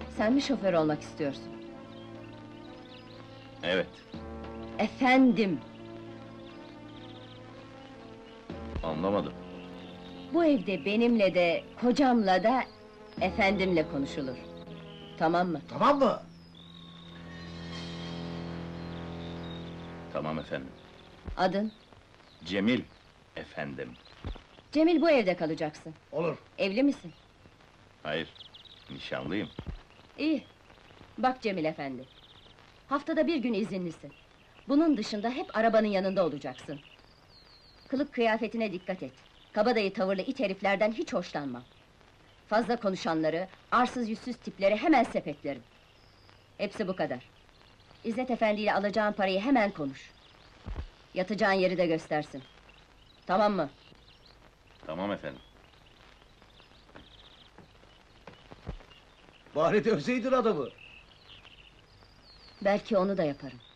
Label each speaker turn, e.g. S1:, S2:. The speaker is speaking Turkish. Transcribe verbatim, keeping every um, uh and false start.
S1: Sen mi şoför olmak istiyorsun?
S2: Evet.
S1: Efendim!
S2: Anlamadım.
S1: Bu evde benimle de, kocamla da, efendimle konuşulur. Tamam mı?
S3: Tamam mı?
S2: Tamam efendim.
S1: Adın?
S2: Cemil efendim.
S1: Cemil, bu evde kalacaksın.
S3: Olur.
S1: Evli misin?
S2: Hayır, nişanlıyım.
S1: İyi. Bak Cemil efendi. Haftada bir gün izinlisin. Bunun dışında hep arabanın yanında olacaksın. Kılık kıyafetine dikkat et. Kabadayı tavırlı it heriflerden hiç hoşlanmam. Fazla konuşanları, arsız yüzsüz tipleri hemen sepetlerim. Hepsi bu kadar. İzzet Efendi ile alacağın parayı hemen konuş. Yatacağın yeri de göstersin. Tamam mı?
S2: Tamam efendim.
S3: Bari dövseydin adamı.
S1: Belki onu da yaparım.